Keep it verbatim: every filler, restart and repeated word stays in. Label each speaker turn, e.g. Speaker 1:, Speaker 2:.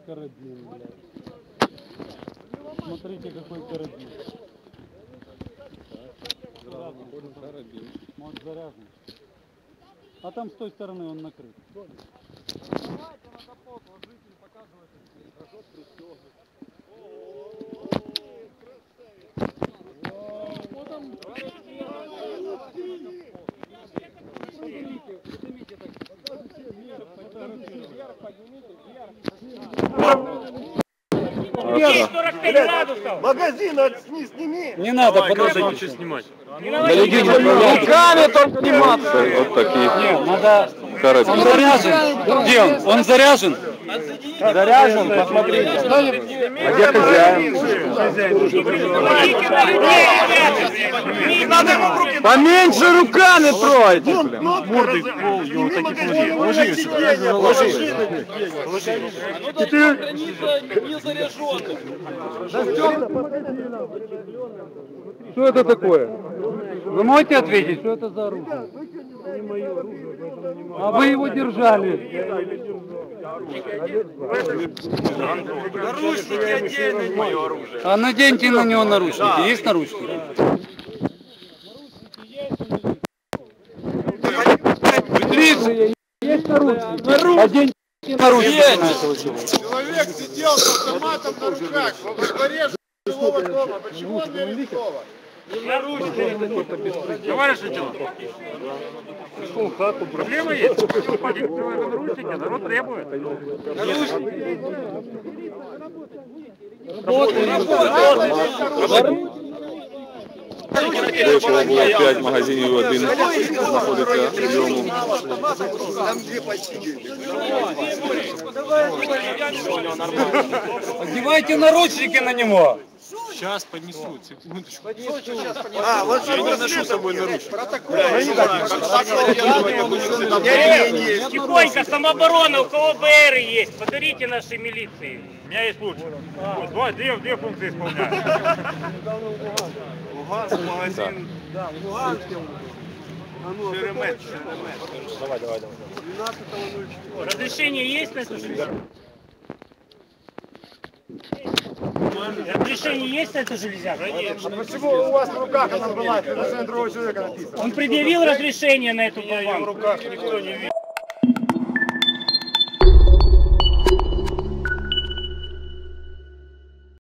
Speaker 1: карабин, блядь. Смотрите, какой карабин. Карабин. Может, заряжен. А там с той стороны он накрыт. Давайте надо пол положить и показывать. Хорошо пристегнуть. Вот там. Поднимите, поднимите так. Вверх, поднимите, вверх.
Speaker 2: сорок пять градусов.
Speaker 3: Магазин сними.
Speaker 1: Не надо, подождите.
Speaker 4: Снимать.
Speaker 1: Руками только сниматься.
Speaker 4: Вот такие.
Speaker 1: Нет, надо...
Speaker 4: Карабин.
Speaker 1: Он заряжен. Где он? Он заряжен?
Speaker 3: Заряжен, посмотрите. А где хозяин?
Speaker 1: Поменьше руками тройте, блин.
Speaker 4: Мордой в пол, его такие плоди. Ложи ее сюда. Ложи ее.
Speaker 1: Что это такое? Вы можете ответить, что это за оружие? А вы его держали.
Speaker 2: Наручники отдельно, мое оружие.
Speaker 1: А наденьте на него наручники. Есть наручники? Быстрее! Есть наручники? Оденьте наручники.
Speaker 3: Человек сидел с автоматом на руках во дворе жилого дома. Почему он не арестован?
Speaker 4: Товарищ лейтенант. Пришел в хату. Проблема есть? Наручники, народ требует. До цього було п'ять магазинів, один знаходиться в ньому.
Speaker 1: Одевайте наручники на него.
Speaker 4: Сейчас поднесут, секундочку.
Speaker 3: А, вот
Speaker 4: Я не ношу с собой наручники.
Speaker 2: Тихонько, самооборона, у кого бэ эр есть, подарите нашей милиции.
Speaker 4: У меня есть луч. Вот, две, две функции исполняю.
Speaker 3: Луганск, магазин. Да, в Луганске. Шеремет, Шеремет.
Speaker 4: Давай, давай, давай.
Speaker 3: двенадцатого ноль четыре.
Speaker 2: Разрешение есть на эту железяку? Разрешение есть на эту железяку?
Speaker 3: А почему у вас в руках она была? Это на другого человека написано.
Speaker 2: Он предъявил разрешение на эту болванку?
Speaker 3: В руках никто не видит.